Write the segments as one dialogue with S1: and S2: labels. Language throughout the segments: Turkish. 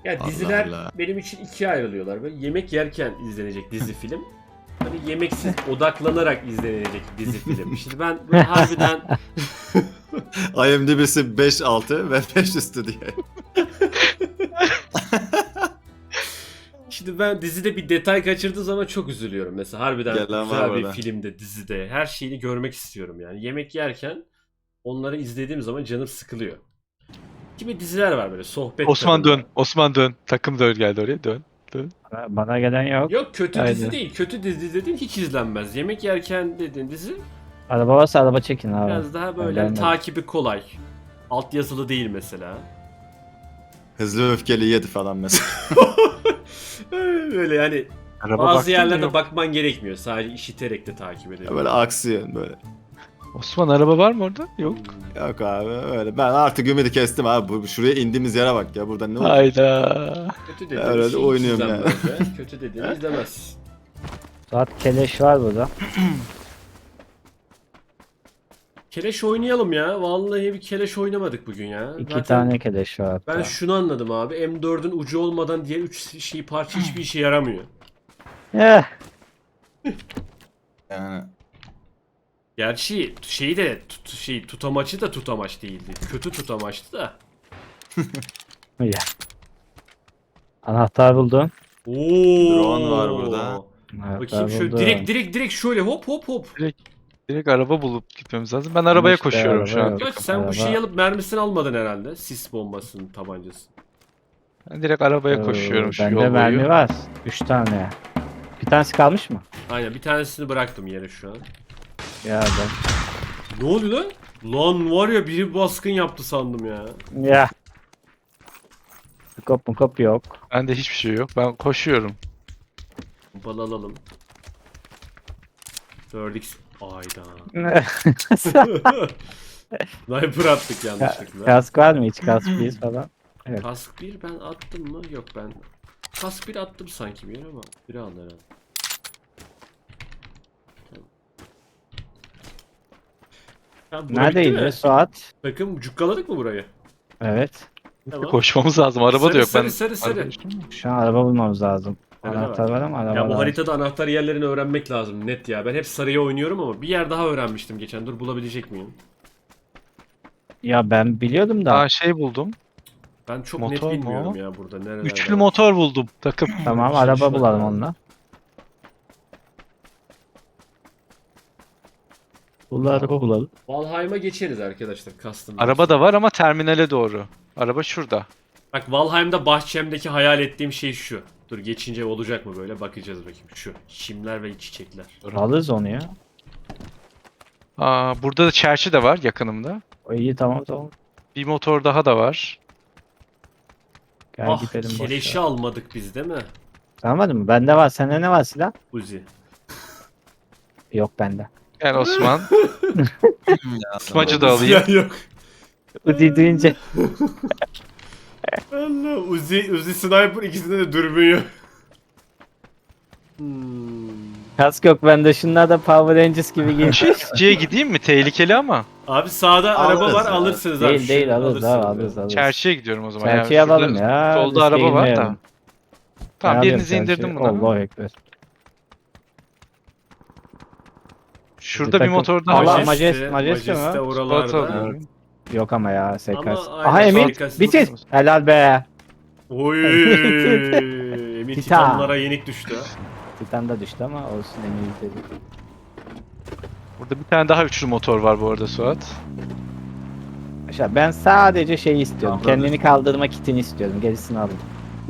S1: Ya
S2: Allah
S1: diziler
S2: Allah.
S1: benim için ikiye ayrılıyorlar. Böyle yemek yerken izlenecek dizi film. Hani yemeksiz odaklanarak izlenecek dizi film. Şimdi ben böyle harbiden
S2: IMDb'si 5.6 ve 5 üstü diye.
S1: şimdi ben dizide bir detay kaçırdığı zaman çok üzülüyorum. Mesela harbiden
S2: Gelen var
S1: güzel bir
S2: burada.
S1: filmde, dizide her şeyini görmek istiyorum yani. Yemek yerken onları izlediğim zaman canım sıkılıyor. Kimi diziler var böyle sohbet
S3: Osman
S1: tadında.
S3: dön. Osman dön. Takım dön geldi oraya. Dön. Dön.
S4: Bana gelen yok.
S1: Yok kötü
S4: Haydi.
S1: dizi değil. Kötü dizi dediğin hiç izlenmez. Yemek yerken dediğin dizi
S4: Araba varsa araba çekin abi.
S1: biraz daha böyle
S4: Ben de-
S1: takibi kolay. Altyazılı değil mesela.
S2: Hızlı ve öfkeli 7 falan mesela.
S1: Böyle yani
S3: Araba
S1: bazı
S3: baktın mı?
S1: yerlerde
S3: Yok.
S1: bakman gerekmiyor. Sadece işiterek de takip edebiliyorsun.
S2: Böyle aksiyon böyle.
S3: Osman araba var mı orada? Yok.
S2: Yok abi öyle. Ben artık ümidi kestim abi. Şuraya indiğimiz yere bak ya. Burada ne oldu?
S3: Hayda.
S1: Kötü dediğin
S2: Öyle de
S1: şey hiç
S2: oynuyorum
S1: izlenmez ya. Kötü dediğini izlemez.
S4: Saat keleş var burada.
S1: Keleş oynayalım ya. Vallahi bir keleş oynamadık bugün ya.
S4: İki
S1: Zaten
S4: tane keleş var hatta.
S1: ben şunu anladım abi. M4'ün ucu olmadan diğer 3 şey parça hiçbir işe yaramıyor.
S4: Eh,
S2: Yani.
S1: Gerçi şeyi de tutamaçı da tutamaç değildi. Kötü tutamaçtı da.
S4: ya. Anahtar buldum.
S1: Oo.
S2: Drone var burada.
S4: Anahtar
S1: Bakayım şöyle
S4: buldum.
S1: direkt şöyle hop hop hop.
S3: Direkt araba bulup gitmemiz lazım. Ben arabaya
S4: İşte
S3: koşuyorum şu
S4: araba
S3: an.
S4: yok.
S1: Göç sen
S4: Araba-
S1: bu şeyi alıp mermisini almadın herhalde. Sis bombasının tabancası.
S3: Ben direkt arabaya koşuyorum şu yol
S4: Bende
S3: boyu.
S4: mermi var. 3 tane. Bir tanesi kalmış mı?
S1: Aynen bir tanesini bıraktım yere şu an.
S4: Ya ben.
S1: Ne oluyor lan? Lan var ya biri baskın yaptı sandım ya.
S4: Ya. Kop mu kop yok.
S3: Bende hiçbir şey yok. Ben koşuyorum.
S1: Bal alalım. 4x. Ayda. Sniper attık yanlışlıkla.
S4: Kask var mı hiç? Kask bir falan.
S1: Kask 1 ben attım mı? Yok ben. Kask 1 attım sanki bir yere ama. Biri aldı herhalde. Tamam, bura bitti mi?
S4: Neredeydi Suat?
S1: Takım cukkaladık mı burayı?
S4: Evet.
S1: Tamam.
S3: Koşmamız lazım. Araba
S1: Sarı,
S3: da yok.
S1: sarı,
S3: Ben
S1: sarı, sarı.
S3: Araba düştüm mü?
S4: Şu an araba bulmamız lazım.
S1: Araba
S4: Anahtar var ama araba
S1: Ya bu
S4: lazım.
S1: haritada anahtar yerlerini öğrenmek lazım net ya. Ben hep sarıya oynuyorum ama bir yer daha öğrenmiştim geçen. Dur bulabilecek miyim?
S4: Ya ben biliyordum da.
S3: Aa şey buldum.
S1: Ben çok
S3: Motor
S1: net
S3: mu
S1: bilmiyorum
S3: o?
S1: ya burada nerelerde.
S3: Üçlü
S1: var.
S3: motor buldum. Takım.
S4: Tamam
S1: Şişman
S4: araba bulalım
S1: ya.
S4: onunla. Bulalım araba bulalım.
S1: Valheim'a geçeriz arkadaşlar custom.
S3: Araba da var ama terminale doğru. Araba şurada.
S1: Bak Valheim'da bahçemdeki hayal ettiğim şey şu. Dur geçince olacak mı böyle bakacağız bakayım. Şu çimler ve çiçekler.
S4: Alırız onu ya.
S3: Aa burada da çerçi de var yakınımda.
S4: O iyi tamam tamam.
S3: Bir motor daha da var.
S4: Gel
S1: Ah
S4: gidelim boş
S1: keleşi
S4: ver.
S1: almadık biz değil mi?
S4: Anlamadın mı? Bende var. Sende ne var silah?
S1: Uzi.
S4: Yok bende.
S3: Gel Osman. Smacı da alayım.
S1: Silah yok.
S4: Uzi duyunca.
S1: Allah Uzi sniper ikisinde de dürbün yok.
S4: Kask yok bende. Şunlar da Power Rangers gibi giyin.
S3: Çiftçiye gideyim mi? Tehlikeli ama.
S1: Abi sağda araba
S2: Alırız
S1: var
S2: ya.
S1: alırsınız abi.
S4: Değil değil
S1: Şunu
S4: alırız abi
S1: alırsınız
S4: alırız
S1: ya.
S4: alırız.
S3: Çerçiye gidiyorum o zaman.
S4: Çerçeği
S3: şurada
S4: alalım ya.
S3: Solda
S4: riske
S3: araba var da.
S4: girmeyelim.
S3: Tamam
S4: Ne
S3: birinizi
S4: yapayım
S3: indirdim
S4: çerçeği?
S3: buna.
S4: Allah ekber.
S3: Şurada bir
S4: takım-
S3: motor daha
S4: Allah
S3: var.
S4: Majeste mi?
S1: Majeste
S3: Spot
S1: oralarda.
S3: alıyorum.
S4: Yok ama ya SKS.
S1: Ama
S4: Aha
S1: aynen,
S4: Emin
S1: SKS.
S4: bitir. Helal be.
S1: Oy. Emin
S4: Titan.
S1: Titanlara yenik düştü. ha.
S4: Titan da düştü ama olsun Emin bitirdi.
S3: Burada bir tane daha üçlü motor var bu arada Suat.
S4: Aşağı ben sadece şeyi istiyorum.
S2: Tamam.
S4: Kendini kaldırma kitini istiyorum. Gerisini aldım.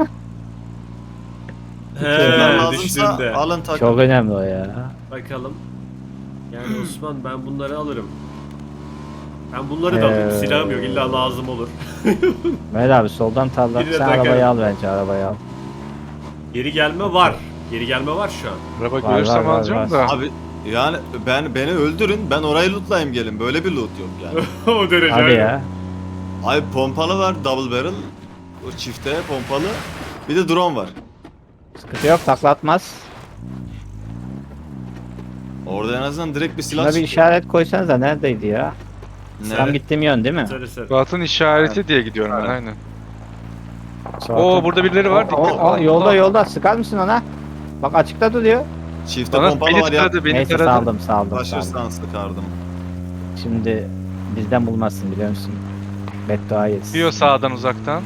S2: Bunlar
S1: He
S2: lazımsa
S1: düşündü.
S2: alın takım.
S4: Çok önemli o ya.
S1: Bakalım. Yani Osman ben bunları alırım. Ben bunları da alayım.
S4: Ee,
S1: Silahım yok illa lazım olur.
S4: Mehmet abi soldan tarla.
S1: Birine
S4: Sen
S1: takarım.
S4: arabayı al bence arabayı al.
S1: Geri gelme var. Geri gelme var şu an.
S3: Araba
S4: Var,
S3: görürsem
S4: var,
S3: alacağım
S4: var.
S3: da.
S2: Abi yani beni öldürün ben orayı lootlayayım gelin. Böyle bir loot yok yani.
S1: O derece.
S4: Hadi ya.
S2: Abi pompalı var double barrel. O çifte pompalı. Bir de drone var.
S4: Sıkıntı yok taklatmaz.
S2: Orada en azından direkt bir silah
S4: Şuna bir
S2: çıkıyor.
S4: işaret koysanız da neredeydi ya?
S2: Ne?
S4: Tam gittiğim yön değil mi?
S1: Sarı sarı.
S3: Suat'ın işareti diye gidiyorum ben aynen. Oo burada birileri var. Dikkat.
S4: Yolda sıkar mısın ona? Bak açıkta duruyor.
S2: Çifte
S3: Bana
S2: pompalı
S3: beni
S2: var ya.
S3: taradı, beni
S4: Neyse
S3: taradı.
S4: saldım.
S2: Taşırsan sıkardım.
S4: Şimdi bizden bulmazsın biliyor musun? Beddua yesin.
S3: Diyor sağdan uzaktan.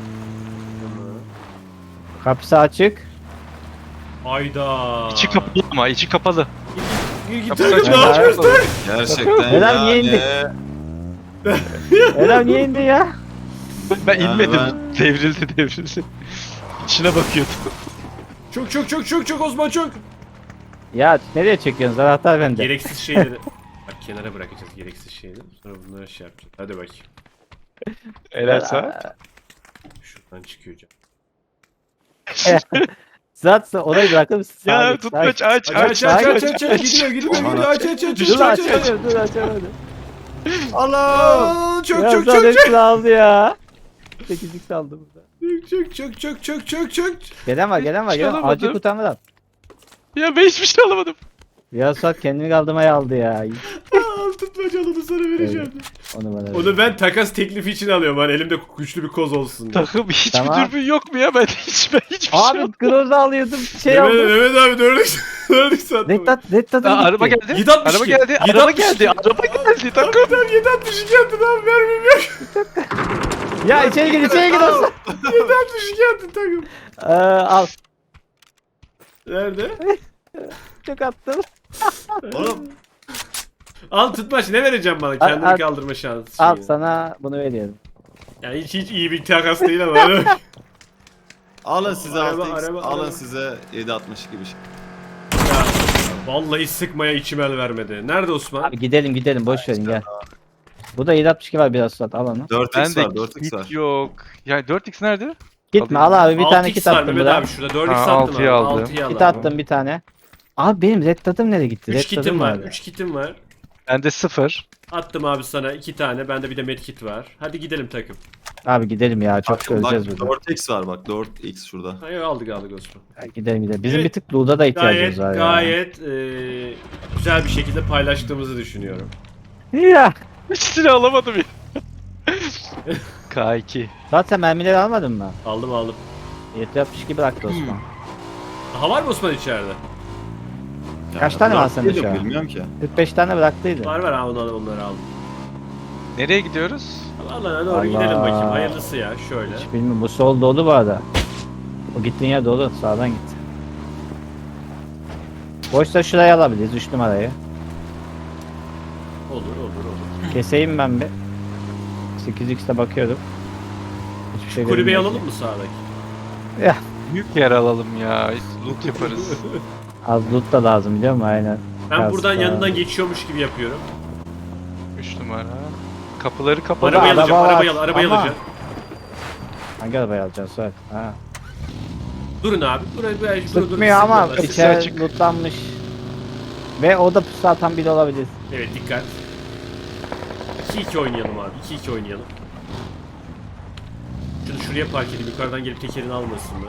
S4: Kapısı açık.
S1: Ayda.
S3: İçi kapalı ama içi kapalı.
S1: Git
S3: Kapı
S1: takım
S3: açık.
S1: ne yapıyorsun?
S2: Gerçekten
S4: Helal,
S2: yani.
S4: niye indi? Eren niye indi ya?
S3: Ben
S2: Yani
S3: inmedim.
S2: ben-
S3: Devrildi. İçine bakıyordum.
S1: Çok Osman çok.
S4: Ya nereye çekiyorsunuz? Anahtar bende.
S1: Gereksiz şeyleri. Bak kenara bırakacağız gereksiz şeyleri. Sonra bunları şey yapacağız. Hadi bakayım.
S3: Helal saat.
S1: Şuradan çıkıyor can.
S4: Zaten orayı bırakır mısın? Sağa
S3: Ya
S4: git, sağa
S3: tutmaç
S4: git.
S3: aç
S1: Aç gidiyor
S2: Aman
S1: aç.
S4: Dur açamadım.
S2: Allah!
S1: Aa,
S4: Ya zaten hepsini aldı ya. 8'lik aldı burada.
S1: Çok.
S4: Gelen var.
S3: alamadım.
S4: Acil kurtarmadan.
S3: Ya ben hiçbir şey alamadım.
S4: Ya Suat kendini kaldırmaya aldı ya.
S1: Al tutmaca onu sana vereceğim.
S4: Onu bana ver.
S1: Onu ben takas teklifi için alıyorum. Hani elimde güçlü bir koz olsun. diye.
S3: Takım hiçbir
S4: Tamam.
S3: dürbün yok mu ya? Ben hiçbir şey
S4: Abi
S3: alamadım.
S4: Groza alıyordum. Şey
S1: Mehmet,
S4: aldım.
S1: Mehmet abi dördük sattım.
S4: Reddat'ın
S3: Aa, araba geldi.
S1: 762.
S3: Araba geldi.
S1: 762.
S3: Araba geldi. Takım.
S1: Tamam 762 attın abi vermem yok.
S4: Ya içeri gir olsun.
S1: 762 attın takım.
S4: Al.
S1: Nerede?
S4: Çok attım.
S2: Oğlum
S1: Al tutmaç ne vereceğim bana?
S4: Al,
S1: Kendini
S4: al.
S1: kaldırma şansı.
S4: Al
S1: şeyi.
S4: sana bunu veriyorum.
S1: Yani hiç iyi bir takas değil ama.
S2: alın size
S1: Araba,
S2: 6x,
S1: araba,
S2: alın
S1: araba.
S2: size 7.62 bir şey.
S1: Ya, vallahi sıkmaya içim el vermedi. Nerede Osman?
S4: Abi gidelim boş verin gel. Bu da 762 var biraz Suat al onu.
S2: 4x
S3: Ben
S2: var,
S3: de
S2: 4x
S3: kit
S2: var.
S3: yok. Ya 4x nerede?
S4: Gitme al abi bir tane
S1: 6x
S4: kit
S1: var
S4: attım
S1: Mehmet
S4: buna.
S1: abi şurada 4x
S3: Ha,
S1: attım
S3: 6'yı
S1: abi.
S3: aldım.
S1: 6'yı al
S4: Kit
S1: abi.
S4: attım bir tane. Abi benim red dot'um nereye gitti?
S1: 3
S4: Red
S1: kitim
S4: dot'um
S1: var.
S4: nerede?
S1: 3 kitim var.
S3: Bende 0.
S1: Attım abi sana 2 tane. Bende bir de medkit var. Hadi gidelim takım.
S4: Abi gidelim ya çok
S2: Bak,
S4: öleceğiz burada.
S2: 4x var bak 4x şurada.
S1: Hayır aldık Osman.
S4: Ya Gidelim. Bizim
S1: Evet.
S4: bir tık loot'a da ihtiyacımız var ya.
S1: Gayet güzel bir şekilde paylaştığımızı düşünüyorum.
S4: Ya.
S3: Hiçbir alamadım ya. K2.
S4: Zaten mermileri almadın mı?
S1: Aldım.
S4: 762 bıraktı Osman.
S1: Daha var mı Osman içeride?
S4: Kaç tane var
S2: 4
S4: sende
S2: değil
S4: şu
S2: yok,
S4: an?
S2: Bilmiyorum ki.
S4: 45 tane bıraktıydı.
S1: Var ha onları aldım.
S3: Nereye gidiyoruz?
S1: Allah'a doğru
S4: Allah.
S1: gidelim bakayım. Hayırlısı ya şöyle.
S4: Hiç bilmiyorum bu sol dolu bu arada. O gittiğin yer dolu sağdan git. Boşsa şurayı alabiliriz 3 numarayı.
S1: Olur.
S4: Keseyim ben bir. 8x'te bakıyorum. Hiçbir şey
S1: Kulübeyi
S4: görünmüyor.
S1: alalım mı sağdaki?
S4: Ya
S3: Büyük yer alalım ya. Loot yaparız.
S4: az loot da lazım biliyor musun? Aynen.
S1: Ben
S4: Biraz
S1: buradan
S4: daha-
S1: yanından geçiyormuş gibi yapıyorum.
S3: 3 numara. Kapıları kapalı.
S4: Araba
S1: Arabayı
S4: var.
S1: arabayı
S4: Ama-
S1: alacağım.
S4: Hangi arabayı alacaksın Suat? Ha.
S1: Durun abi. Buraya
S4: Sıkmıyor ama
S1: sıkmadan.
S3: Kapısı
S4: içeri
S3: açık.
S4: lootlanmış. Ve o da pusu atan biri olabilir.
S1: Evet dikkat. 2-2 oynayalım abi. 2-2 oynayalım. Şunu şuraya park edeyim. Yukarıdan gelip tekerini almasınlar.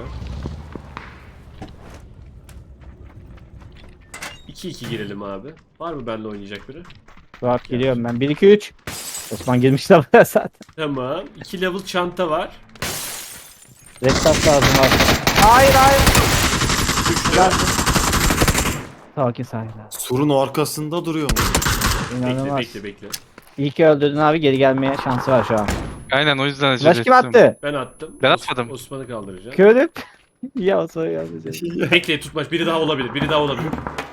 S1: 2-2 girelim abi. Var mı benimle oynayacak biri?
S4: Suat geliyorum ben. 1-2-3. Osman girmiş de buraya zaten.
S1: Tamam. 2 level çanta var.
S4: Red dot lazım abi. Hayır. Sakin.
S2: Surun arkasında duruyor mu?
S4: İnanılmaz.
S1: Bekle.
S4: İyi ki öldürdün abi geri gelmeye şansı var şu an.
S3: Aynen o yüzden acele
S4: Flash kim
S3: ettim.
S4: attı?
S1: Ben attım.
S3: Ben atmadım.
S1: Osman'ı kaldıracağım.
S4: Körüp. Ya Osman geldi.
S1: Bekle tutmaç. Biri daha olabilir.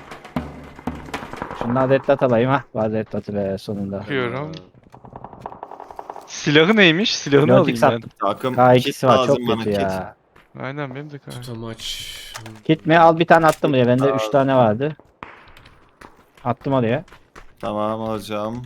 S4: Şundan red dot alayım ha. Var red dot'u be sonunda.
S3: Bakıyorum. Silahı neymiş? Silahını
S4: Dört
S3: alayım
S4: X
S3: ben.
S4: attım.
S2: Takım
S4: K2'si
S2: kit
S4: var
S2: lazım
S4: çok
S2: bana,
S4: kötü
S2: kit.
S4: ya.
S3: Aynen benim de kanka.
S1: Tutamaç.
S4: Kit mi? Al bir tane attım buraya. Bende 3 tane vardı. Attım oraya.
S2: Tamam alacağım.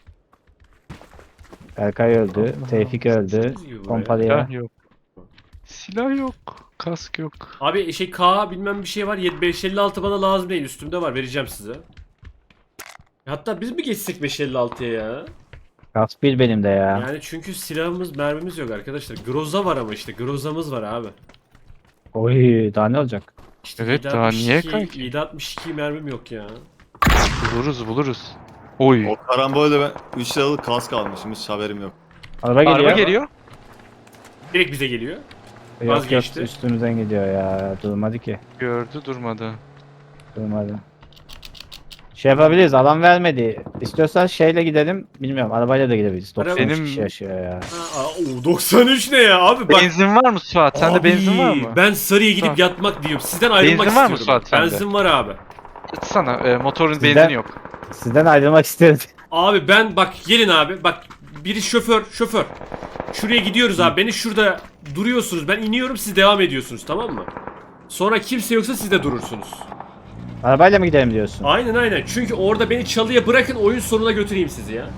S4: Berkay öldü. Tevfik öldü. Pompalıya.
S3: Silah yok. Silah yok. Kask yok.
S1: Abi K bilmem bir şey var. 556 bana lazım değil. Üstümde var. Vereceğim size. Hatta biz mi geçsek 556'ya ya?
S4: Gaz bir benim de ya.
S1: Yani çünkü silahımız, mermimiz yok arkadaşlar. Groza var ama işte. Grozamız var abi.
S4: Oy daha ne olacak?
S1: İşte
S3: Evet, daha niye kanki?
S1: 762 mermim yok ya.
S3: Buluruz. Oy.
S2: O karambolde ben 3 liralık kask almışım hiç haberim yok.
S4: Araba geliyor.
S3: Araba geliyor.
S1: Direkt bize geliyor.
S4: Yok yok
S1: Vazgeçti.
S4: üstümüzden gidiyor ya. Durmadı ki.
S3: Gördü durmadı.
S4: Durmadı. Şey yapabiliriz, alan vermedi. İstiyorsan şeyle gidelim. Bilmiyorum, arabayla da gidebiliriz. 93
S3: Benim-
S4: kişi yaşıyor ya.
S1: O 93 ne ya abi bak.
S3: Benzin var mı Suat? Sende
S1: Abi,
S3: benzin var mı?
S1: Ben Sarı'ya gidip
S3: Tamam.
S1: yatmak diyorum. Sizden ayrılmak
S3: Benzin var mı
S1: istiyorum.
S3: Suat sende?
S1: Benzin var abi.
S3: Sana motorun
S4: Sizden-
S3: benzini yok.
S4: Sizden ayrılmak istiyorum.
S1: Abi ben bak gelin abi. Bak biri şoför. Şuraya gidiyoruz abi. Beni şurada duruyorsunuz. Ben iniyorum siz devam ediyorsunuz tamam mı? Sonra kimse yoksa siz de durursunuz.
S4: Arabayla mı gidelim diyorsun?
S1: Aynen. Çünkü orada beni çalıya bırakın oyun sonuna götüreyim sizi ya.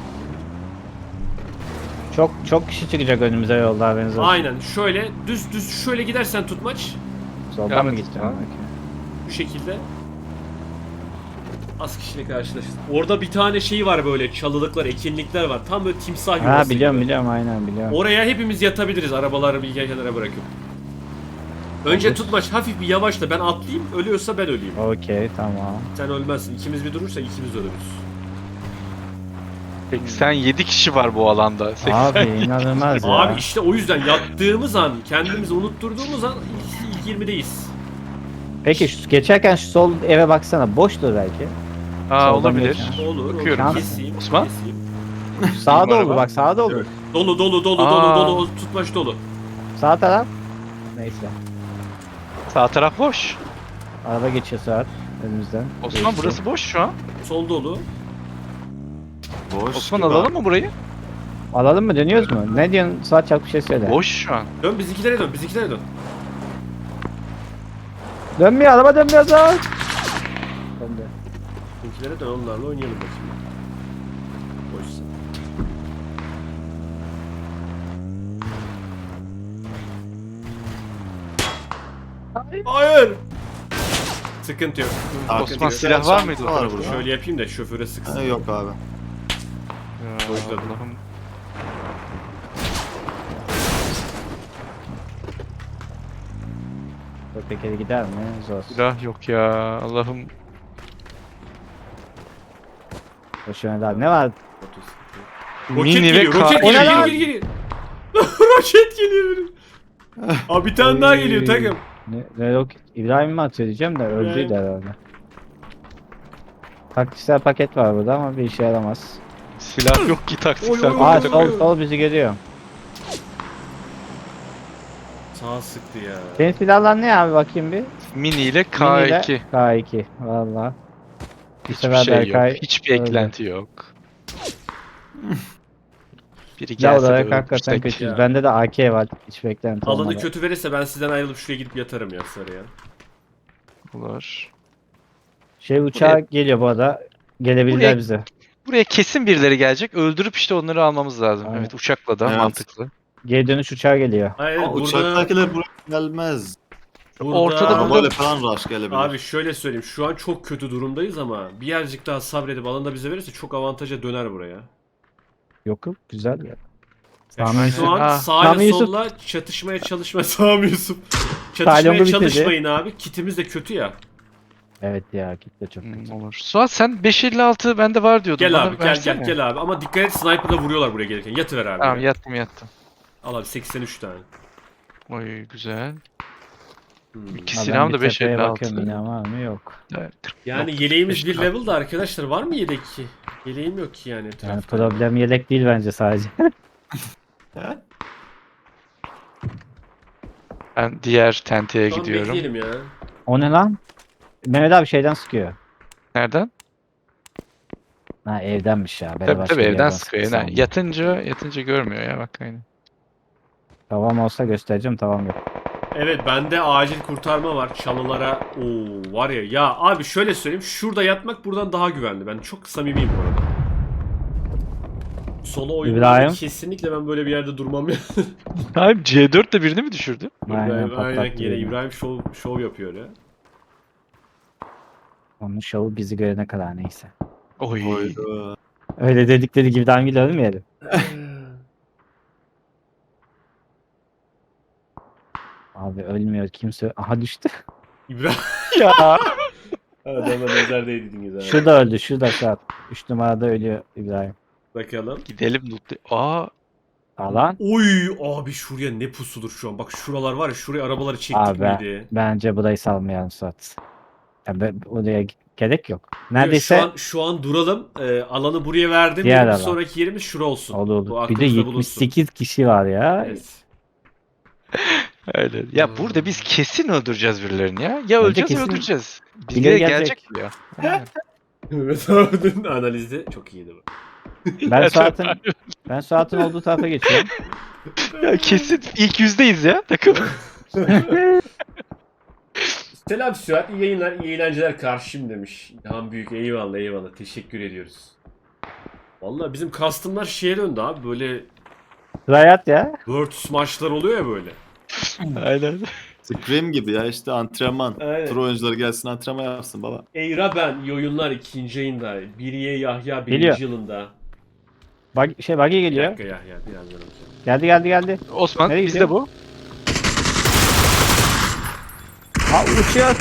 S4: Çok kişi çıkacak önümüze yolda, haberiniz olsun.
S1: Aynen. Şöyle düz şöyle gidersen tutmaç.
S4: Soldan
S3: Devam
S4: mı
S3: et.
S4: gideceğim?
S3: Ha.
S1: Bu şekilde. Az kişiyle karşılaşırız. Orada bir tane şey var böyle çalılıklar, ekinlikler var. Tam böyle timsah yuvası
S4: Ha
S1: gibi.
S4: biliyorum aynen biliyorum.
S1: Oraya hepimiz yatabiliriz arabaları bir kenara bırakıp. Önce
S4: Olur.
S1: tutmaç hafif bir yavaşla ben atlayayım. Ölüyorsa ben öleyim.
S4: Okey tamam.
S1: Sen ölmezsin. İkimiz bir durursa ikimiz ölürüz.
S3: Peki sen 7 kişi var bu alanda. 80.
S4: Abi inanılmaz ya.
S1: Abi işte o yüzden yattığımız an, kendimizi unutturduğumuz an ilk 20'deyiz.
S4: Peki geçerken şu sol eve baksana, boştur belki.
S3: Aa
S4: Soldan
S3: olabilir.
S4: geçen.
S1: Olur.
S3: Bakıyorum.
S1: Olur. Keseyim.
S3: Osman?
S1: Keseyim.
S4: Sağda
S3: araba.
S4: olur bak, sağda olur.
S1: Dolu.
S3: Aa.
S1: Tutmaç dolu.
S4: Sağ taraf. Neyse.
S3: Sağ taraf boş.
S4: Araba geçiyor saat önümüzden.
S3: Osman
S4: Geçti.
S3: burası boş şu an.
S1: Sol dolu.
S2: Boş.
S3: Osman
S2: gibi
S3: alalım
S2: abi.
S3: mı burayı?
S4: Alalım mı, dönüyoruz mu? Ne diyorsun Suat, çabuk bir şey söyle.
S3: Boş şu an.
S1: Dön bizimkilere dön.
S4: Dönmüyor, araba dönmüyor Suat. Döndü.
S1: Bizimkilere dön onlarla oynayalım bakayım. Boşsa. Hayır. Sıkıntı yok.
S2: Abi,
S3: Osman
S1: yok.
S3: silah var mıydı?
S2: Var burada.
S1: Şöyle yapayım da şoföre sıksın.
S2: Ha, yok abi.
S3: Ya,
S1: Dojladım.
S3: Allah'ım.
S4: Dur tekeri gider mi? Zor.
S3: Silah yok ya. Allah'ım.
S4: Boşuna daha ne var?
S1: Roket
S3: Mini ve
S1: geliyor, roket
S3: K-
S4: O ne
S1: geliyor,
S4: lan?
S1: geliyor. Roket geliyor benim. Abi bir tane daha geliyor takım.
S4: Ne yok, İbrahim mi atıyor diyeceğim de öldüydü herhalde. Taktiksel paket var burada ama bir işe yaramaz.
S3: Silah yok ki taktiksel.
S1: Oy,
S4: Aa
S1: oy,
S3: paket.
S4: sol bizi görüyor.
S1: Sağ sıktı ya.
S4: Senin silahlar ne abi, bakayım bir.
S3: Mini ile
S4: Mini ile
S3: K2.
S4: K2 valla. Bir
S3: Hiçbir
S4: sefer
S3: şey yok.
S4: Berkay
S3: Hiçbir
S4: öldü.
S3: eklenti yok. Biri
S4: Silah
S3: gelse de
S4: olarak hakikaten
S3: öldürsek.
S4: kötüyüz.
S1: ya.
S4: Bende de AK var. Hiç beklenti
S1: Alanı
S4: olmadı.
S1: kötü verirse ben sizden ayrılıp şuraya gidip yatarım ya sarıya.
S3: Olur.
S4: Şey uçağı geliyor bu arada. Gelebilirler
S3: Buraya-
S4: bize.
S3: Buraya kesin birileri gelecek. Öldürüp işte onları almamız lazım.
S4: Aynen.
S3: Evet uçakla da
S2: Evet.
S3: mantıklı.
S4: Geri dönüş uçağı geliyor.
S1: Hayır
S2: Ama
S1: burada,
S2: uçaktakiler buraya gelmez.
S3: ortada
S1: burada
S2: Arabayla falan rush gelebilir.
S1: abi şöyle söyleyeyim şu an çok kötü durumdayız ama birazcık daha sabredip alanda bize verirse çok avantaja döner buraya.
S4: Yok yok, güzel ya.
S1: Yani
S4: Sami
S1: şu an
S3: Ha.
S1: sağ
S4: Sami
S1: ile
S4: Yusuf.
S1: solla çatışmaya çalışma Sami Yusuf.
S4: Talyonlu
S1: Çatışmaya
S4: bitirdi.
S1: çalışmayın abi. Kitimiz de kötü ya.
S4: Evet ya, kitle çok kötü.
S3: Olur. Suat sen 556 bende var diyordun.
S1: Gel
S3: Bana
S1: abi
S3: versene.
S1: gel abi ama dikkat et sniper'la vuruyorlar buraya gelirken. Yatıver abi.
S3: Tamam
S1: ya.
S3: yattım.
S1: Al abi 83 tane.
S3: Oy güzel.
S1: Hmm.
S3: İki
S4: Ha,
S3: silahım
S4: ben
S3: da
S4: bir tepeye
S3: 556.
S4: bakıyorum, yine var mı? Yok.
S3: Evet, 40
S1: Yani
S3: yok,
S1: yeleğimiz bir
S3: 45
S1: level da arkadaşlar var mı yelek ki? Yeleğim yok ki yani
S4: Yani
S1: etrafta.
S4: problem yelek değil bence sadece.
S3: Ben diğer tenteye
S1: Şu an
S3: gidiyorum.
S1: bekleyelim ya.
S4: O ne lan? Mehmet abi şeyden sıkıyor.
S3: Nereden?
S4: Ha evdenmiş ya.
S3: Tabii tabii evden sıkıyor.
S4: sıkıyor.
S3: Yani yatınca görmüyor ya bak aynı.
S4: Tavam olsa göstereceğim, tavam yok.
S1: Evet bende acil kurtarma var çalılara. Oo var ya. Ya abi şöyle söyleyeyim. Şurada yatmak buradan daha güvenli. Ben çok samimiyim bu arada. Solo oyunda
S4: İbrahim.
S1: kesinlikle ben böyle bir yerde durmam ya.
S3: Abi C4 de birini mi düşürdü?
S4: Aynen,
S1: İbrahim, aynen
S4: patlattı
S1: yine
S4: beni.
S1: İbrahim şov yapıyor ya.
S4: Onun şovu bizi görene kadar neyse.
S3: Oy.
S2: Oydu.
S4: Öyle dedikleri gibi daha ölmeyelim. Abi ölmüyor kimse. Aha düştü.
S1: İbrahim.
S3: Ya.
S1: Adama nazar değdiniz abi.
S4: Şurada öldü, şurada saat. 3 numarada ölüyor İbrahim.
S1: Bakalım.
S3: Gidelim loot. Aa
S4: Alan.
S1: Oy abi şuraya ne pusudur şu an. Bak şuralar var ya, şuraya arabaları çektik
S4: Abi
S1: miydi?
S4: bence burayı salmayalım Suat. Ya oraya gerek yok.
S1: Yok,
S4: Neredeyse
S1: şu an duralım. Alanı buraya verdim.
S4: Diğer
S1: Bir
S4: alan.
S1: sonraki yerimiz şura olsun.
S4: olur
S1: Bu
S4: olur. Bir de
S1: aklımızda bulunsun.
S4: 78 kişi var ya.
S1: Evet.
S3: Öyle. Ya burada biz kesin öldüreceğiz birilerini ya. Ya öleceğiz ya
S4: kesin
S3: öldüreceğiz.
S4: birileri
S3: Bizlere
S4: gelecek.
S3: gelecek bu ya. Aynen.
S1: Evet abinin analizi çok iyiydi bu.
S4: Ben Suat'ın olduğu tarafa geçiyorum.
S3: Ya kesin ilk yüzdeyiz ya takım.
S1: Selam Süat, iyi yayınlar, iyi eğlenceler karşım demiş. İlhan Büyük, eyvallah eyvallah, teşekkür ediyoruz. Vallahi bizim custom'lar şeye döndü abi, böyle
S4: Riot ya.
S1: Virtus maçlar oluyor ya böyle.
S3: Aynen.
S2: Scream gibi ya işte antrenman.
S1: Aynen.
S2: Pro oyuncular gelsin antrenman yapsın baba.
S1: Eyra ben, iyi oyunlar 2. yayında. Biriye Yahya 1.
S4: Geliyor.
S1: yılında.
S4: Buggy
S1: Bir
S4: geliyor.
S1: dakika Yahya, birazdan olacak.
S4: Geldi.
S3: Osman
S4: Nereye
S3: bizde
S4: gidiyor?
S3: bu.
S4: Ha uçuyor.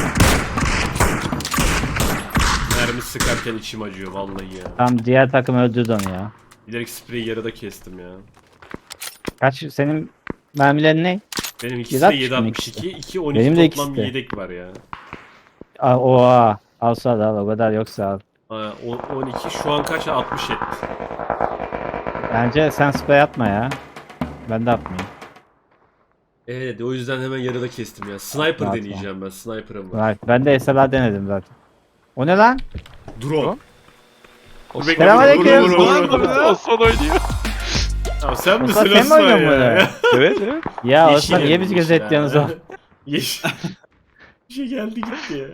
S1: Mermi sıkarken içim acıyor vallahi ya.
S4: Tam diğer takım öldürdü onu ya.
S1: Bilerek spreyi yarıda kestim ya.
S4: Kaç senin mermilerin ne?
S1: Benim ikisi de
S4: 7.62 mi
S1: 7.62, 2 12
S4: Benim de
S1: toplam
S4: ikisi de.
S1: yedek var ya.
S4: Oha. Alsa da al o kadar yoksa al.
S1: Aa, 12 şu an kaç? 60 etti.
S4: Bence sen spray atma ya. Ben de atmayayım.
S1: Evet o yüzden hemen yarıda kestim ya. Sniper
S4: Rahat
S1: deneyeceğim ben. Sniper'ım var.
S4: Right. Ben de SLR denedim zaten. O ne lan?
S1: Drone. Dur, bekle,
S4: Selamünaleyküm.
S1: vur, vur, vur, vur.
S3: Osman oynuyor.
S1: Tamam, sen misin
S4: Osman, sen mi
S1: Osman
S4: oynuyorsun
S1: ya?
S4: böyle?
S3: Evet evet.
S4: Ya
S1: Yeşil
S4: Osman niye bizi
S1: elmiş
S4: gözetliyorsunuz
S1: ya.
S4: o?
S1: Yeşil. Bir şey geldi gitti ya.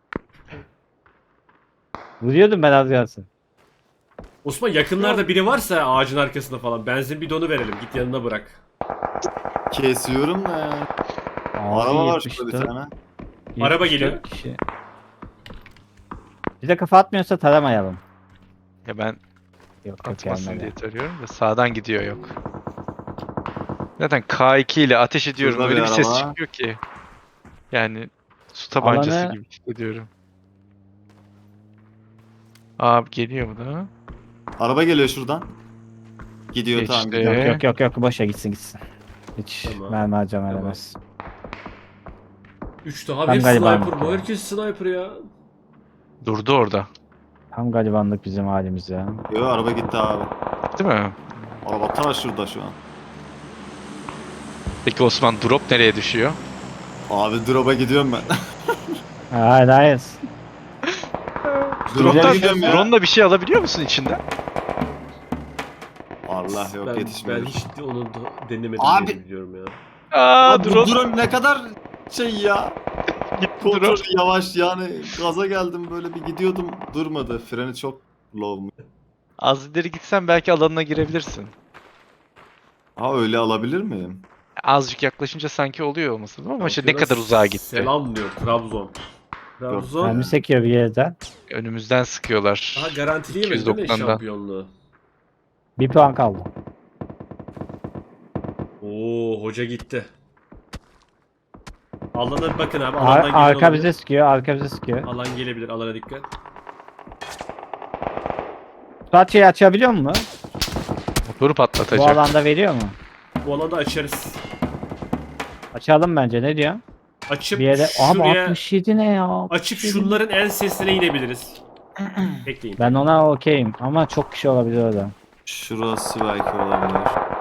S4: Vuruyordum ben az kalsın.
S1: Osman yakınlarda biri varsa ağacın arkasında falan benzin bidonu verelim. Git yanına bırak.
S2: Kesiyorum da ya. Araba var şurada bir tane.
S1: Araba geliyor.
S4: 74 kişi. Bize kafa atmıyorsa taramayalım.
S3: Ya ben
S4: Yok
S3: atmasın
S4: gelmedi.
S3: diye tarıyorum da sağdan gidiyor yok. Zaten K2 ile ateş ediyorum.
S2: Şurada
S3: Öyle
S2: bir
S3: bir ses
S2: araba.
S3: çıkıyor ki. Yani su tabancası
S4: Alanı-
S3: gibi hissediyorum. Abi geliyor mu da?
S2: Araba geliyor şuradan. Gidiyor
S3: Geçti.
S2: tamam gidiyor.
S4: Yok boşa gitsin. Hiç
S1: Tamam.
S4: mermi harcama
S1: Tamam.
S4: edemez.
S1: 3 daha
S4: Ben
S1: hep
S4: galiba
S1: sniper. Bu
S4: ya.
S1: herkes sniper ya.
S3: Durdu orada.
S4: Tam garibanlık bizim halimiz ya.
S2: Yo araba gitti abi.
S3: Değil mi?
S2: Araba ta şurada şu an.
S3: Peki Osman drop nereye düşüyor?
S2: Abi drop'a gidiyorum ben.
S4: Hayır.
S3: Drop'tan
S2: gidiyorum ya.
S3: drone'la bir şey alabiliyor musun içinde?
S2: Allah yok
S1: Ben
S2: yetişmiyor.
S1: hiç onu denemedim
S2: Abi-
S1: diye biliyorum ya.
S3: Aa
S2: Abi bu
S3: drone.
S2: drone ne kadar şey ya.
S3: Gitti
S2: Kontrolü
S3: drone.
S2: yavaş yani gaza geldim böyle bir gidiyordum durmadı. Freni çok low mu?
S3: Az ileri gitsen belki alanına girebilirsin.
S2: Ha öyle alabilir miyim?
S3: Azıcık yaklaşınca sanki oluyor olması lazım ama işte ne
S1: Bakıyorlar,
S3: kadar uzağa gitti.
S1: Selam diyor Trabzon. Trabzon.
S4: Mermi sekiyor bir yerden.
S3: Önümüzden sıkıyorlar.
S1: Daha garantileyemedi değil mi
S3: 290'da.
S1: şampiyonluğu?
S4: Bir puan kaldı.
S1: Oo hoca gitti. Alana bakın abi. Alandan gelen
S4: Arka
S1: olabilir.
S4: bize sıkıyor. Arka bize sıkıyor.
S1: Alan gelebilir. Alana dikkat.
S4: Suat şeyi açabiliyor mu?
S3: Motoru
S4: Bu
S3: patlatacak.
S4: alanda veriyor mu?
S1: Bu alanda açarız.
S4: Açalım bence ne diyor?
S1: Açıp
S4: Bir yere... Ama
S1: şuraya
S4: 67 ne ya?
S1: açıp
S4: 67.
S1: şunların en sesine inebiliriz. Bekleyin.
S4: Ben ona okeyim ama çok kişi olabilir orada.
S2: Şurası belki olabilir.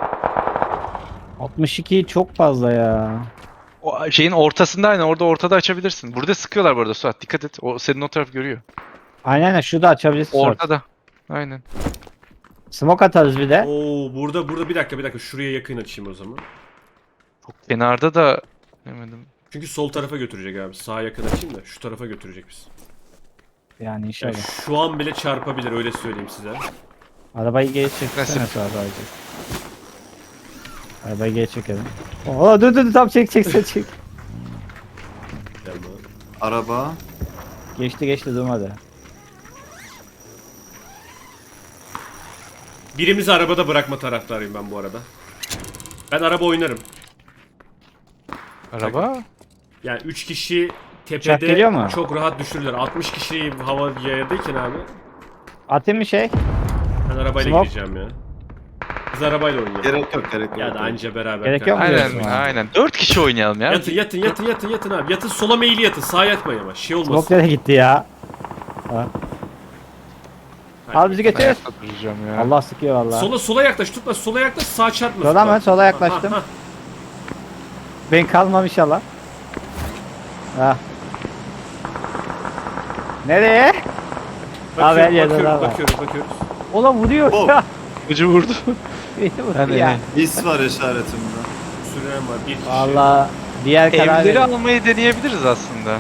S4: 62 çok fazla ya.
S3: O şeyin ortasında aynen orada ortada açabilirsin. Burada sıkıyorlar bu arada Suat dikkat et. O senin o taraf görüyor.
S4: Aynen şurada açabilirsin. Suat.
S3: Ortada. Aynen.
S4: Smoke atarız bir de.
S1: Oo burada bir dakika şuraya yakın açayım o zaman.
S3: Kenarda da demedim.
S1: Çünkü sol tarafa götürecek abi. Sağa yakın açayım da şu tarafa götürecek biz.
S4: Yani
S1: Yani
S4: inşallah.
S1: şu an bile çarpabilir öyle söyleyeyim size.
S4: Arabayı geri çeksene
S3: Nasıl?
S4: Suat abi. Arabayı geri çekelim. Oo dur tam çek.
S1: Tamam.
S2: Araba.
S4: Geçti durmadı.
S1: Birimizi arabada bırakma taraftarıyım ben bu arada. Ben araba oynarım.
S3: Araba.
S1: Yani 3 kişi
S4: Uçak geliyor mu?
S1: tepede çok rahat düşürürler. 60 kişi hava yayadayken abi
S4: Atayım mı şey?
S1: ben arabayla
S4: Smoke.
S1: gireceğim ya. Biz arabayla oynayalım.
S2: Gerek yok gerek yok.
S1: Ya da anca beraber.
S4: Gerek yok mu?
S3: Aynen
S4: diyorsun abi?
S3: aynen. 4 kişi oynayalım ya.
S1: Yatın abi. Yatın sola meyili yatın. Sağa yatmayın ama. Şey olmasın.
S4: Smoke nereye gitti ya? Al bizi götür.
S3: Ayakta duracağım ya.
S4: Allah sıkıyor valla.
S1: Sola yaklaş. Tutma. Sola yaklaş. Sağa çarpma.
S4: Sola mı? Sola yaklaştım.
S1: Ha, ha.
S4: Ben kalmam inşallah. Ha. Nereye? Abi her yerde daha var.
S1: Bakıyoruz.
S4: Ola vuruyor
S2: Oh.
S4: ya.
S3: Ucu vurdu.
S4: Beni vuruyor
S3: Hani
S4: ya.
S3: ne?
S2: His var işaretimde.
S1: Süren var. Bir kişi.
S4: Valla diğer karar
S3: Evleri
S4: verin.
S3: almayı deneyebiliriz aslında.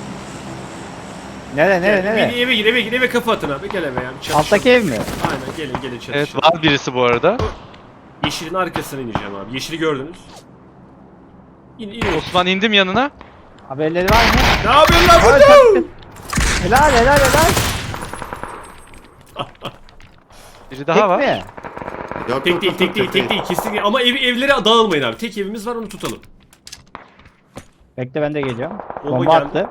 S4: Nereye?
S1: Eve gir. Eve kafa atın abi. Gel eve ya. Çatışalım.
S4: Alttaki ev mi?
S1: Aynen gelin çatışalım.
S3: Evet var birisi bu arada.
S1: Yeşilin arkasına ineceğim abi. Yeşili gördünüz. İn.
S3: Osman indim yanına.
S4: Haberleri var mı?
S1: Ne yapıyorsun lan
S4: Ay,
S1: burada?
S4: taktın. Helal.
S3: Biri daha
S4: Tek
S3: var.
S4: mi?
S2: Yok
S1: Tek değil. Kesinlikle. Ama evlere dağılmayın abi. Tek evimiz var onu tutalım.
S4: Bekle ben de geliyorum.
S1: Bomba
S4: Bomba
S1: geldi.
S4: attı.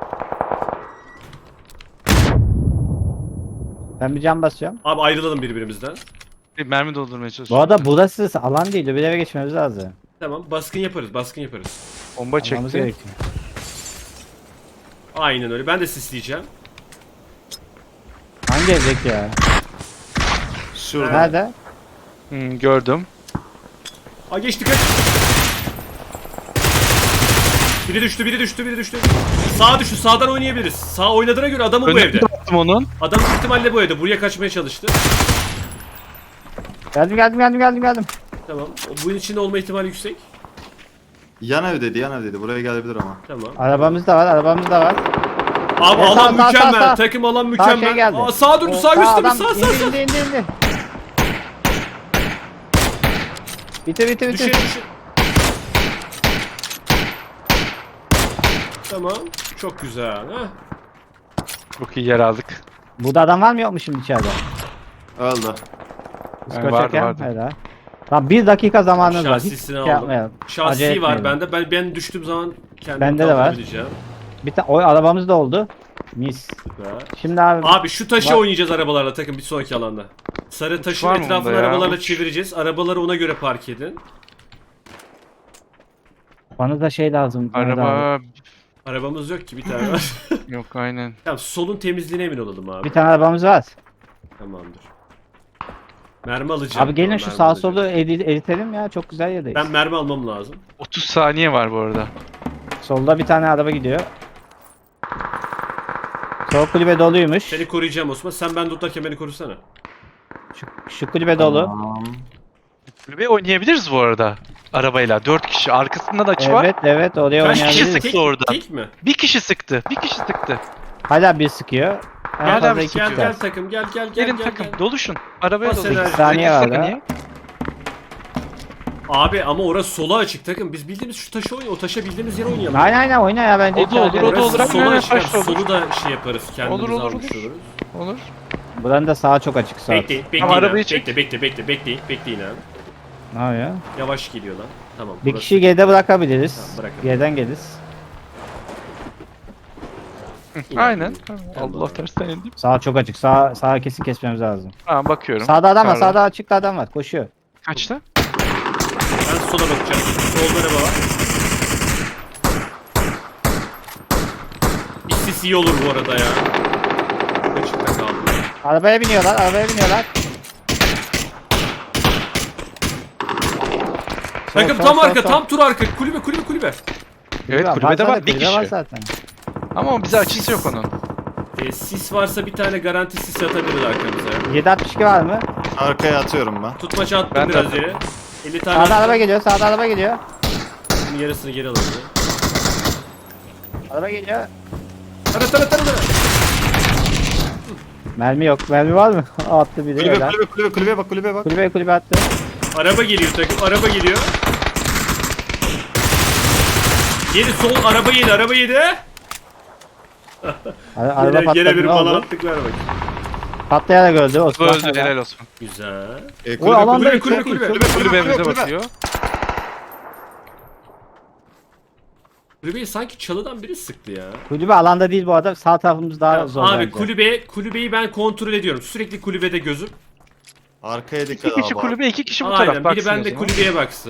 S4: Ben bir cam basıyorum.
S1: Abi ayrılalım birbirimizden.
S3: Bir mermi doldurmaya
S4: Bu
S3: çalışıyorum.
S4: arada burası alan değil. Bir eve geçmemiz lazım.
S1: Tamam baskın yaparız.
S3: Bomba
S4: Almamız
S3: çekti.
S4: gerekiyor.
S1: Aynen öyle. Ben de sisleyeceğim.
S4: Hangi evdeki ya?
S2: Şurada.
S4: Nerede?
S3: Gördüm.
S1: Aa geçti kaç. Biri düştü. Sağa düştü. Sağdan oynayabiliriz. Sağ oynadığına göre adamı bu
S3: Önüne
S1: evde.
S3: attım onun.
S1: Adam büyük ihtimalle bu evde. Buraya kaçmaya çalıştı.
S4: Geldim.
S1: Tamam. Bunun içinde olma ihtimali yüksek.
S2: Yan evdeydi. Buraya gelebilir ama.
S1: Tamam.
S4: Arabamız da var.
S1: Abi
S4: Evet,
S1: alan
S4: sağ,
S1: mükemmel.
S4: sağ.
S1: Takım alan
S4: Sağ
S1: mükemmel.
S4: şey geldi.
S1: Aa, sağa döndü. Sağ gösterdi.
S4: adam
S1: Sağ.
S4: indi. Bitir.
S1: Düşe. Tamam. Çok güzel. Ha.
S3: Çok iyi yer aldık.
S4: Burada adam var mı yok mu şimdi içeride?
S2: Öldü.
S4: Skor
S3: vardı,
S4: çeken,
S3: vardı.
S4: helal. Tamam 1 dakika zamanınız var. Hiç
S1: Şahsisini
S4: şey
S1: aldım.
S4: yapmayalım. Acele
S1: Şahsi var
S4: etmeyelim.
S1: bende. Ben düştüğüm zaman kendimi
S4: Bende de var.
S1: kaldırabileceğim.
S4: Bir tane o arabamız da oldu. Mis.
S1: Süper.
S4: Şimdi abi,
S1: Abi şu taşı
S4: Bak-
S1: oynayacağız arabalarla takım bir sonraki alanda. Sarı taşın
S3: var mı
S1: etrafını
S3: bunda ya?
S1: arabalarla
S3: Uç.
S1: çevireceğiz. Arabaları ona göre park edin.
S4: bana da şey lazım. Mehmet abi.
S3: Araba
S1: Arabamız yok ki bir tane var.
S3: yok aynen.
S1: Tamam solun temizliğine emin olalım abi.
S4: Bir tane arabamız var.
S1: Tamamdır. Mermi alacağım.
S4: Abi gelin
S1: Tamam,
S4: şu
S1: mermi
S4: sağ
S1: alacağım.
S4: solu eritelim ya. Çok güzel yerdeyiz.
S1: Ben mermi almam lazım.
S3: 30 saniye var bu arada.
S4: Solda bir tane araba gidiyor. Sol kulübe doluymuş.
S1: Seni koruyacağım Osman. Sen ben tutarken beni korusana.
S4: Şu kulübe dolu.
S3: Kulübe oynayabiliriz bu arada. Arabayla 4 kişi. Arkasında da açı var.
S4: Evet oraya
S1: Kaç kişi
S3: oynayabiliriz.
S4: oynayabiliriz.
S3: sıktı oradan.
S1: Tek mi?
S3: Bir kişi sıktı.
S4: Hala bir sıkıyor. En
S1: Gel
S4: fazla
S1: abi
S4: iki
S1: gel
S4: çıkar.
S1: takım gel.
S3: Gelin takım. Doluşun. Arabaya
S1: Bas
S3: doluşun.
S1: enerji.
S4: 8 saniye var
S3: Saniye.
S4: ya.
S1: Abi ama orası sola açık takım. Biz bildiğimiz şu taşı oynayalım. O taşa bildiğimiz yere oynayalım.
S4: Aynen oyna ya bence.
S3: O da olur, o da
S1: Orası
S3: olur. Aynen,
S1: sola
S3: aynen,
S1: açık.
S3: taş da olur.
S1: Solu da şey yaparız. Kendimiz
S3: Olur, olur,
S1: almış
S3: olur.
S1: oluruz.
S3: Olur.
S4: Buranın da sağı çok açık sağ.
S1: Bekleyin
S3: arabayı
S1: abi.
S3: çek.
S1: Bekleyin abi.
S4: Ne yapıyor?
S1: Yavaş geliyor lan. Tamam.
S4: Bir
S1: burası-
S4: kişiyi geride bırakabiliriz.
S1: Tamam, bırakalım.
S4: Geriden geliriz.
S3: Aynen.
S1: Tamam.
S3: Allah tersten indim.
S4: Sağ çok açık. Sağa kesin kesmemiz lazım.
S3: Tamam bakıyorum.
S4: Sağda adam var.
S3: Yukarıda.
S4: Sağda açıkta adam var. Koşuyor.
S3: Kaçta?
S1: Ben sola bakacağım. Solda araba var. Bir sis iyi olur bu arada ya. Açıkta kaldı.
S4: Arabaya biniyorlar.
S1: Takım tam arka, tam tur arka. Kulübe.
S3: Evet kulübede var bir
S4: kulübe var
S3: kişi.
S4: zaten.
S3: Ama bize açısı yok onun.
S1: Sis varsa bir tane garanti sis atabilir arkamıza.
S4: 762 var mı?
S2: Arkaya atıyorum ben.
S1: Tutmaça attım
S3: Ben de
S1: biraz
S3: attım.
S1: yere. 50 tane
S4: Sağda
S1: attım.
S4: araba geliyor.
S1: Bunun yarısını geri alalım.
S4: Araba geliyor.
S1: Tara.
S4: Mermi yok. Mermi var mı? Attı biri. helal.
S2: Kulübeye bak.
S4: Kulübe attı.
S1: Araba geliyor takım, araba geliyor. Yedi sol, araba yedi.
S4: Araba
S1: Yine
S4: patladı.
S1: bir
S4: Ne
S1: bana
S4: oldu?
S1: attıklar bak.
S4: Patlayarak öldü. Osman.
S3: Öldü helal olsun.
S1: Güzel.
S4: O alanda
S1: kulübe.
S3: Kulübemize bakıyor.
S1: Kulübeyi sanki çalıdan biri sıktı ya.
S4: Kulübe alanda değil bu arada. Sağ tarafımız daha zor
S1: Abi
S4: bence.
S1: kulübeyi ben kontrol ediyorum. Sürekli kulübede gözüm.
S2: Arkaya dikkat
S3: 2 kişi
S2: abi.
S3: kulübe, 2 kişi bu
S1: Aynen,
S3: taraf.
S1: biri
S3: Baksın o
S1: bende
S3: zaman.
S1: kulübeye baksın.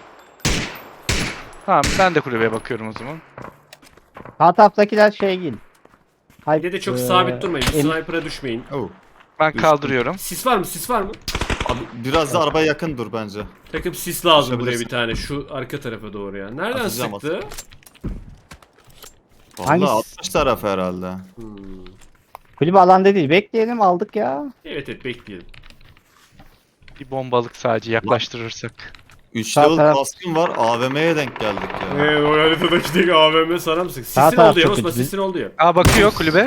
S3: Tamam ben de kulübeye bakıyorum o zaman.
S4: Sağ taraftakiler şey değil.
S1: Bir de çok sabit durmayın. Sniper'a düşmeyin.
S2: Oh.
S3: Ben
S2: Düştüm.
S3: kaldırıyorum.
S1: Sis var mı? Sis var mı?
S2: Abi biraz da arabaya yakın dur bence.
S1: Takım sis lazım buraya
S2: Düşebilirsin.
S1: bir tane. Şu arka tarafa doğru ya. Nereden
S2: Atacağım,
S1: sıktı?
S2: Vallahi
S4: Hangisi?
S2: 60 tarafı herhalde.
S4: Kulübe alanda değil. Bekleyelim aldık ya.
S1: Evet bekleyelim.
S3: Bir bombalık sadece yaklaştırırsak.
S2: 3
S4: Sağ
S2: level
S4: taraf-
S2: kaskım var. AVM'ye denk geldik ya.
S1: Evet o haritadaki tek AVM sana mı sık?
S4: Sağ
S1: Sisin
S4: taraf
S1: oldu ya
S4: çok
S1: Osman,
S4: kötü.
S1: sisin oldu ya.
S3: Aa bakıyor kulübe.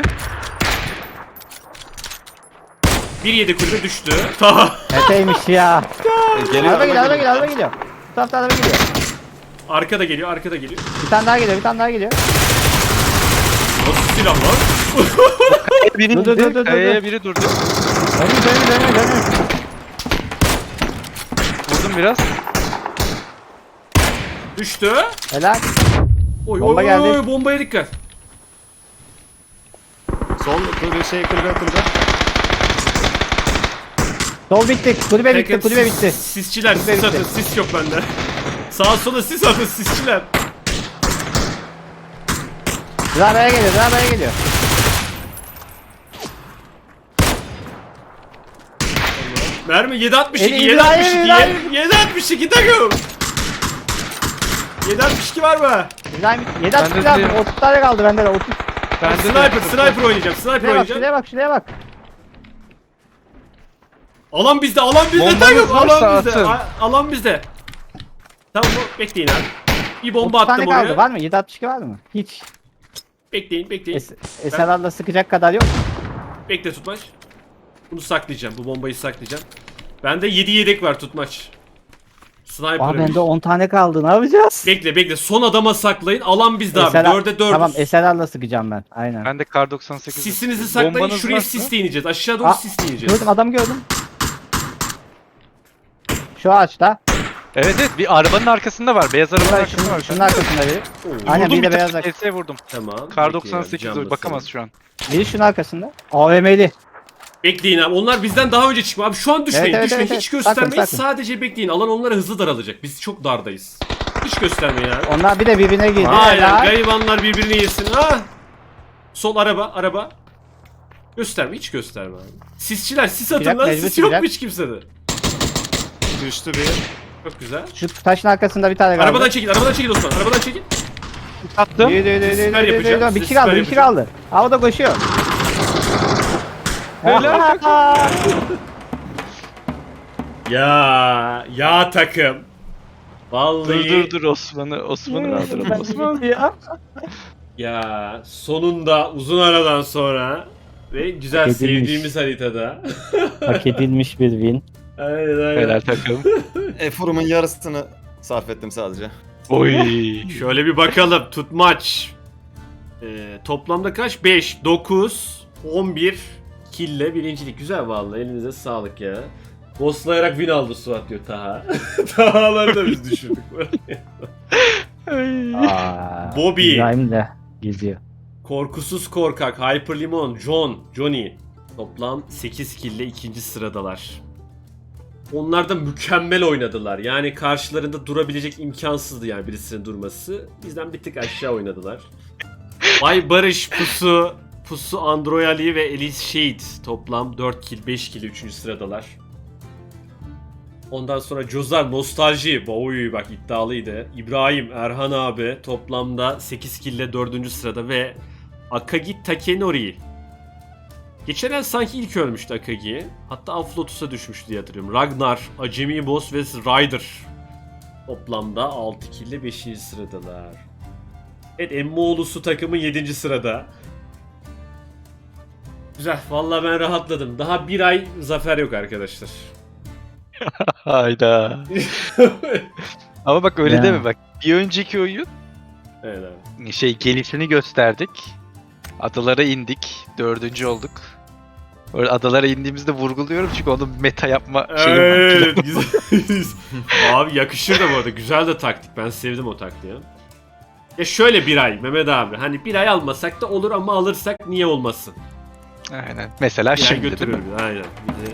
S1: 1-7 kulübe düştü. Taha.
S4: Neteymiş ya.
S2: Geliyor,
S4: Araba geliyor, araba
S2: geliyor.
S4: geliyor, araba geliyor. Bu tarafta araba geliyor.
S1: Arkada geliyor, arkada geliyor.
S4: Bir tane daha geliyor, bir tane daha geliyor.
S1: Nasıl silah lan?
S3: Biri
S4: Dur, dur, dur, dur,
S3: Kayaya
S4: dur.
S3: biri durdu.
S4: Dönün.
S3: Vurdum biraz.
S1: Düştü.
S4: Helal.
S1: Oy
S4: Bomba
S1: oy
S4: geldi.
S1: oy bombaya dikkat.
S2: Sol kulübe kulübe.
S4: Sol bitti, kulübe bitti,
S1: Takım
S4: kulübe bitti.
S1: Sisçiler,
S4: Kulübe
S1: sis atın,
S4: bitti.
S1: sis yok bende. Sağa sola sis atın, sisçiler.
S4: Arabaya geliyor, arabaya geliyor.
S1: Mermi 7.62,
S4: İbrahim,
S1: 7.62,
S4: İbrahim.
S1: 7.62 takım. 7.62 var mı?
S4: İbrahim 7
S3: Ben
S4: atış
S3: de
S4: lazım,
S3: diyorum.
S4: 30 tane kaldı bende de 30.
S3: Ben de
S1: Sniper oynayacağım, sniper
S4: Şuraya bak,
S1: oynayacağım.
S4: şuraya bak, şuraya bak.
S1: Alan bizde, alan bizde
S3: Bombanız
S1: takım,
S3: varsa
S1: alan bizde,
S3: atın.
S1: alan bizde. Tamam bekleyin abi. Bir bomba
S4: 30 tane
S1: attım
S4: kaldı,
S1: oraya.
S4: var mı? 7.62 var mı? Hiç.
S1: Bekleyin.
S4: Eserar'la sıkacak kadar yok.
S1: Bekle tutmaç. Bunu saklayacağım, bu bombayı saklayacağım. Bende 7 yedek var tutmaç.
S4: Aa
S1: Sniper.
S4: bende 10 tane kaldı, ne yapacağız?
S1: Bekle, son adama saklayın. Alan bizde abi. 4'e 4.
S4: Tamam Eserar'la sıkacağım ben, aynen.
S3: Ben de kar 98.
S1: Sisinizi saklayın.
S3: Bombanız
S1: Şuraya
S3: varsa-
S1: sisle ineceğiz. Aşağı doğru
S4: Aa,
S1: sisle ineceğiz.
S4: Gördüm, adamı gördüm. Şu ağaçta.
S3: Evet bir arabanın arkasında var. Beyaz arabanın
S4: Şunun,
S3: arkasında var.
S4: şunun arkasında biri.
S1: Oo.
S4: Aynen
S3: Vurdum
S4: bir de
S3: bir
S4: beyaz
S3: tane
S4: ak.
S3: TS vurdum.
S1: Tamam.
S3: Kar
S1: bekleyin abi,
S3: 98
S1: cam
S3: bakamaz
S1: basalım.
S3: şu an.
S4: Biri şunun arkasında. AVM'li.
S1: Bekleyin abi. Onlar bizden daha önce çıkma. Abi şu an düşmeyin.
S4: Evet,
S1: düşmeyin.
S4: evet.
S1: Hiç göstermeyin.
S4: Sakın.
S1: Sadece bekleyin. Alan onlara hızlı daralacak. Biz çok dardayız. Hiç göstermeyin abi.
S4: Onlar bir de birbirine girdi.
S1: Aynen.
S4: Helal.
S1: Garibanlar birbirini yesin. Ha. Sol araba. Gösterme. Hiç gösterme abi. Sisçiler sis atın
S4: Çıkacak,
S1: lan.
S4: mecbur
S1: Sis yok mu
S4: çıkacak.
S1: hiç kimsede?
S2: Düştü bir.
S1: Çok güzel.
S4: Şu taşın arkasında bir tane kaldı.
S1: Arabadan çekil Osman. Arabadan çekil.
S3: Attım.
S4: Yürü.
S1: yapacağım,
S4: Bir kişi
S1: süper
S4: kaldı, bir kişi
S1: yapacağım.
S4: kaldı. Havada koşuyor.
S3: Helal.
S1: Ya takım. Vallahi.
S3: Dur Osman'ı kaldıralım Osman.
S1: Ya sonunda uzun aradan sonra ve güzel
S4: Hak edilmiş.
S1: sevdiğimiz haritada.
S4: Hak edilmiş bir win.
S1: aynen.
S3: Helal takım.
S2: Eforumun yarısını sarf ettim sadece.
S3: Oy.
S1: Şöyle bir bakalım. Tutmaç. Toplamda kaç? 5, 9, 11 kille birincilik. Güzel vallahi. Elinize sağlık ya. Ghostlayarak win aldı Suat diyor Taha. Taha'ları da biz düşürdük.
S4: Aa,
S1: Bobby.
S4: İbrahim de geziyor.
S1: Korkusuz korkak, Hyperlimon, Johnny. Toplam 8 kille ikinci sıradalar. Onlar da mükemmel oynadılar. Yani karşılarında durabilecek imkansızdı yani birisinin durması. Bizden bir tık aşağı oynadılar. Bay Barış, Pusu Androyali ve Elise Shade toplam 4 kill, 5 kill 3. sıradalar. Ondan sonra Cozar, Nostalji, oy bak iddialıydı. İbrahim, Erhan abi toplamda 8 kill ile 4. sırada ve Akagi Takenori. Geçen el sanki ilk ölmüştü Akagi. Hatta Aflotus'a düşmüştü diye hatırlıyorum. Ragnar, Acemi Boss ve Ryder. Toplamda 6 kill ile 5. sıradalar. Evet Emmoğlu'su takımın 7. sırada. Güzel. Vallahi ben rahatladım. Daha bir ay zafer yok arkadaşlar.
S3: Hayda. Ama bak öyle
S4: Ya.
S3: deme bak. Bir önceki oyun
S1: Evet abi.
S3: gelişini gösterdik. Adalara indik. 4. olduk. Öyle adalara indiğimizde vurguluyorum çünkü onun meta yapma şeyi var.
S1: Evet, güzel. Abi yakışır da bu arada. Güzel de taktik. Ben sevdim o taktiği. Ya şöyle bir ay Mehmet abi. Hani bir ay almasak da olur ama alırsak niye olmasın?
S3: Aynen. Mesela
S1: Bir ay
S3: şimdi değil mi?
S1: götürüyor bizi, aynen. Bizi